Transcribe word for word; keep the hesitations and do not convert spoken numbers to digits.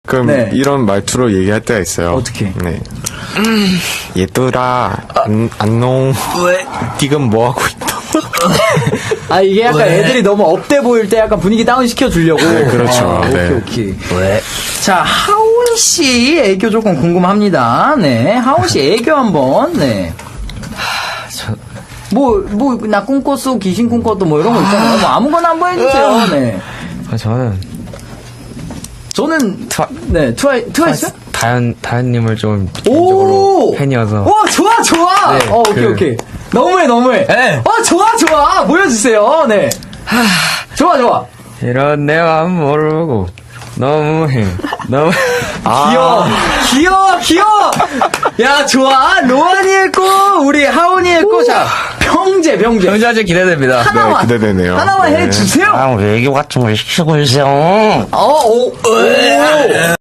가끔 네. 이런 말투로 얘기할 때가 있어요. 어떻게? 네. 얘들아, 안, 안녕. 왜? 지금 뭐 하고 있다? 아, 이게 약간 왜? 애들이 너무 업돼 보일 때 약간 분위기 다운 시켜주려고. 네, 그렇죠. 아, 네. 오케이, 오케이. 왜? 자, 하온 씨 애교 조금 궁금합니다. 네, 하온 씨 애교 한번. 네. 저, 뭐, 뭐, 나 꿈꿨어, 귀신 꿈꿨어, 뭐 이런 거 있잖아요. 뭐 아무거나 한번 해주세요. 네. 아, 저는 저는, 트와, 네, 트와이, 트와이스? 다현, 다현님을 좀 오! 개인적으로 팬이어서. 오, 좋아, 좋아! 네, 어, 오케이, 그- 오케이. 너무해, 너무해. 네. 어, 좋아, 좋아! 보여주세요. 네. 좋아, 좋아. 이런 내 마음 모르고 너무해. 너무. 귀여워, 귀여워, 귀여워! 야, 좋아. 로안이 했고, 우리 하온이 했고, 자, 평제, 평제. 경자제 기대됩니다. 하나만. 네, 기대되네요. 하나만 네. 해주세요. 아, 외교 같은 걸 시키고 있어요. 어, 오, 오.